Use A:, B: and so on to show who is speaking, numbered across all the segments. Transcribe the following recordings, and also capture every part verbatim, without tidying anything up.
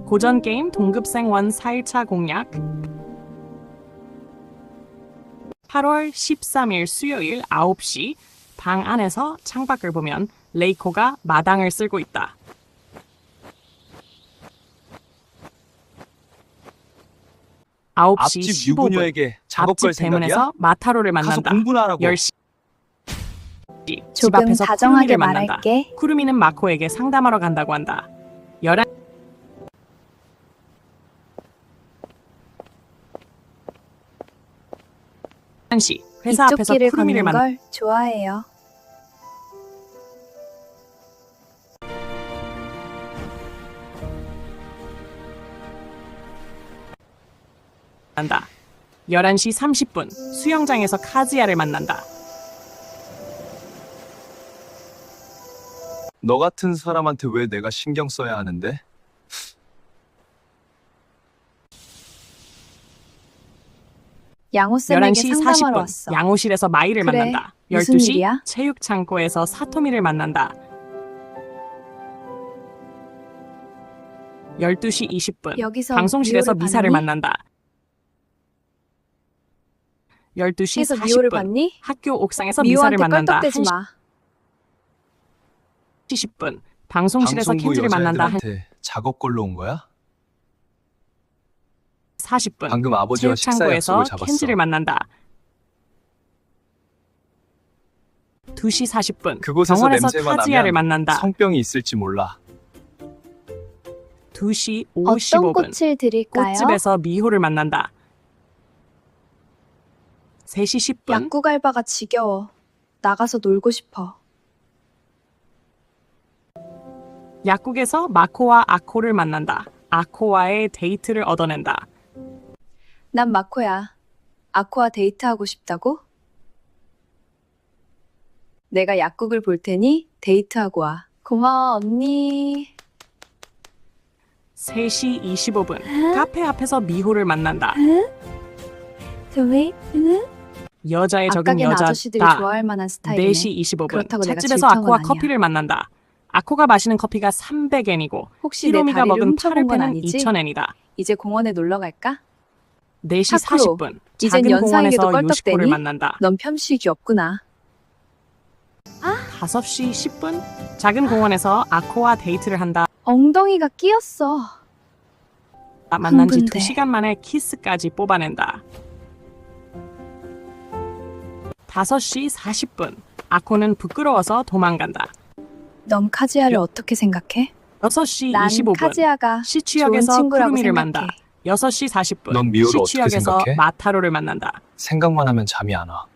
A: 고전 게임 동급생원 사 일차 공략. 팔월 십삼일 수요일 아홉 시 방 안에서 창밖을 보면 레이코가 마당을 쓸고 있다. 아홉 시
B: 앞집
A: 십오 분
B: 유부녀에게 작업 걸
A: 앞집 대문에서
B: 생각이야?
A: 마타로를
B: 가서
A: 만난다.
B: 공부나 하라고.
A: 열 시 집
C: 조금
A: 앞에서
C: 다정하게
A: 쿠루미를 만난다.
C: 말할게.
A: 쿠루미는 마코에게 상담하러 간다고 한다. 열한 시 회사
C: 이쪽
A: 앞에서
C: 길을
A: 쿠루미를
C: 걷는
A: 만난다.
C: 걸 좋아해요.
A: 열한 시 삼십 분 수영장에서 카즈야를 만난다.
B: 너 같은 사람한테 왜 내가 신경 써야 하는데?
C: 양호쌤에게
A: 열한 시 사십
C: 상담하러
A: 분
C: 왔어.
A: 양호실에서 마이를
C: 그래,
A: 만난다.
C: 무슨
A: 열두 시
C: 일이야?
A: 체육창고에서 사토미를 만난다. 열두 시 이십 분
C: 여기서
A: 방송실에서
C: 미호를
A: 미사를
C: 봤니?
A: 만난다. 열두 시
C: 해서
A: 사십
C: 미호를
A: 분
C: 봤니?
A: 학교 옥상에서 미사를
C: 미호한테
A: 만난다.
C: 껄떡대지
A: 한 시
C: 마.
A: 십 분 방송실에서
B: 방송부
A: 켄지를 만난다. 한
B: 여자애들한테 작업 걸러 온 거야?
A: 사십 분
B: 방금 아버지와 식사
A: 체육창고에서
B: 약속을 잡았어.
A: 켄지를 만난다. 두 시 사십 분
B: 그곳에서
A: 병원에서
B: 냄새가
A: 카즈야를
B: 나면
A: 만난다.
B: 성병이 있을지 몰라.
A: 두 시
C: 어떤
A: 오십오 분
C: 꽃을 드릴까요?
A: 꽃집에서 미호를 만난다. 세 시 십 분
C: 약국 알바가 지겨워. 나가서 놀고 싶어.
A: 약국에서 마코와 아코를 만난다. 아코와의 데이트를 얻어낸다.
C: 난 마코야. 아코와 데이트하고 싶다고? 내가 약국을 볼 테니 데이트하고 와. 고마워, 언니.
A: 세 시 이십오 분 카페 앞에서 미호를 만난다.
C: 저왜? 응?
A: 여자의 적은
C: 아까겐
A: 여자다.
C: 아저씨들이 좋아할 만한 스타일이네.
A: 네 시 이십오 분
C: 그렇다고 내가
A: 찻집에서
C: 질투한
A: 아코와
C: 건 아니야.
A: 커피를 만난다. 아코가 마시는 커피가 삼백 엔이고
C: 혹시 내
A: 히로미가
C: 다리를
A: 먹은
C: 훔쳐본 건
A: 파르페는
C: 아니지?
A: 이천 엔이다.
C: 이제 공원에 놀러 갈까?
A: 네 시
C: 타쿠로,
A: 사십 분
C: 이젠
A: 작은
C: 연상에게도
A: 공원에서 요시코를
C: 껄떡대니?
A: 만난다.
C: 넌 편식이 없구나.
A: 다섯 시 십 분 작은 공원에서 아코와 데이트를 한다.
C: 엉덩이가 끼었어.
A: 만난 지
C: 흥분돼.
A: 두 시간 만에 키스까지 뽑아낸다. 다섯 시 사십 분 아코는 부끄러워서 도망간다.
C: 넌 카즈야를 어떻게 생각해?
A: 여섯 시
C: 난
A: 이십오 분
C: 카즈야가 좋은
A: 시취역에서
C: 친구라고
A: 쿠루미를
C: 생각해.
A: 만나. 여섯 시 사십 분
B: 넌 미호를 어떻게
A: 시취역에서
B: 생각해?
A: 마타로를 만난다.
B: 생각만 하면 잠이 안 와.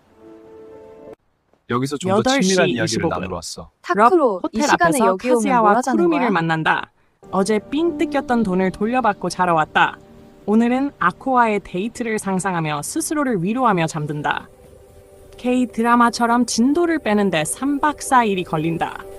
B: 여기서 좀 더
A: 여덟 시
B: 친밀한 이야기를
A: 이십오 분
B: 나누러 왔어.
C: 타쿠로 이
A: 호텔
C: 시간에
A: 앞에서
C: 여기 오면 뭘
A: 카즈야와
C: 하자는
A: 쿠루미를
C: 거야?
A: 만난다. 어제 삥 뜯겼던 돈을 돌려받고 자러 왔다. 오늘은 아코와의 데이트를 상상하며 스스로를 위로하며 잠든다. K 드라마처럼 진도를 빼는데 삼 박 사 일이 걸린다.